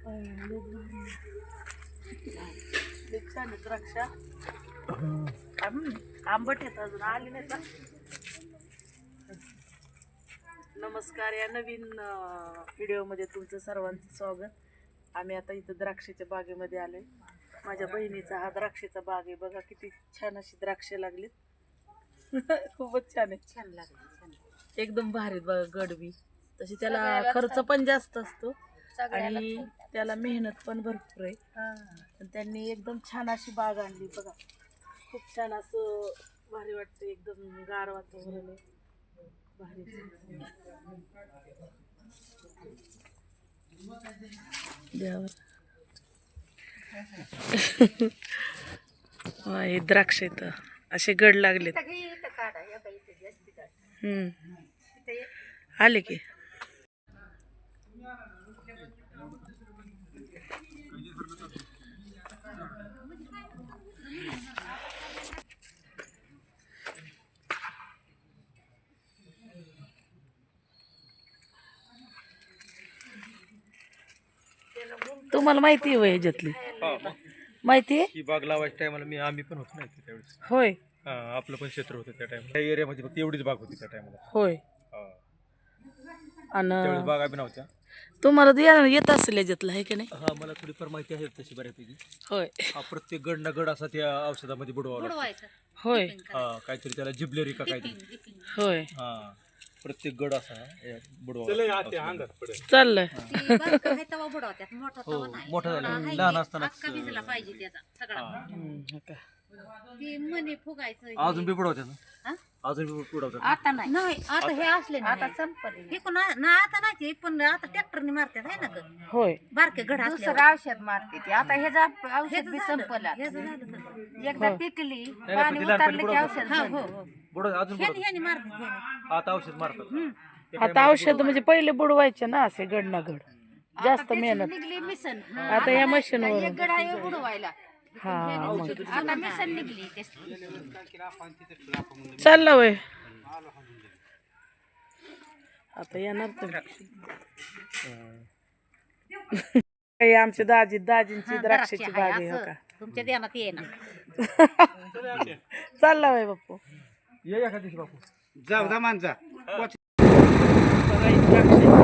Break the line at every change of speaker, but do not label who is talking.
छान आहे द्राक्ष. आंबट येत अजून आली नाही का. नमस्कार, या नवीन व्हिडिओमध्ये तुमचं सर्वांचं स्वागत. आम्ही आता इथं द्राक्षाच्या बागेमध्ये आलोय. माझ्या बहिणीचा हा द्राक्षाचा बाग आहे. बघा किती छान अशी द्राक्ष लागलीत. खूपच छान आहे.
छान लागले.
एकदम भारी बघा. गडबी तशी त्याला खर्च पण जास्त असतो आणि त्याला मेहनत पण भरपूर आहे. पण त्यांनी एकदम छान अशी बाग आणली बघा. खूप छान असं भारी वाटतं. एकदम गार वातावरण आहे. भारी हे द्राक्ष इथं असे गड लागलेत. आले की तुम्हाला माहिती आहे ह्याच्यातली माहिती आहे.
ही बाग लावायच्या टायमाला आम्ही पण होतो ना त्यावेळेस.
होय
आपलं पण क्षेत्र होतं त्या टायमाला. त्या एरियामध्ये फक्त एवढीच बाग होती त्या टायमाला.
होय.
त्यावेळेस
आणि
बागा बी नव्हत्या.
तुम्हाला येत असेल याच्यातलं आहे की नाही.
हा, मला थोडीफार माहिती आहे तशी बऱ्यापैकी.
होय
हा, प्रत्येक गड ना गड असा त्या औषधामध्ये बुडवावा लागतो.
होय
हा, काहीतरी त्याला जिबलेरी का काहीतरी.
होय
हा, प्रत्येक गड असा बुडवावा.
चाललंय.
हो, मोठा झाला लहान असताना अजून बी बुडवतात ना. अजून बी बुडवतात.
आता नाही आता हे असले आता संपले हे कोण ना आता नाही पण आता ट्रॅक्टरने मारतात आहे ना ग.
होय
बारके गड दुसरं औषध मारते ते आता हे औषध बी संपलं. एकदा पिकली पाणी उतरलं की औषध
बुडवतात अजून बुडवतात.
ह्याने मारतात.
आता औषध मारतात.
आता औषध म्हणजे पहिले बुडवायचे ना असे गड ना गड. जास्त मेहनत.
निघली मिसन
आता या मशीनवर
एक गड आहे बुडवायला.
हा
आता मिसन निघली
चाललं वय. आता येणार तुम्ही. आमची दाजींची द्राक्षाची बाग आहे हो का.
तुमच्या ध्यानात ये ना.
चालला वय बापू.
ये एखाद्या दिवशी बापू.
जाऊ दा माणसा.
बघा ही द्राक्षाची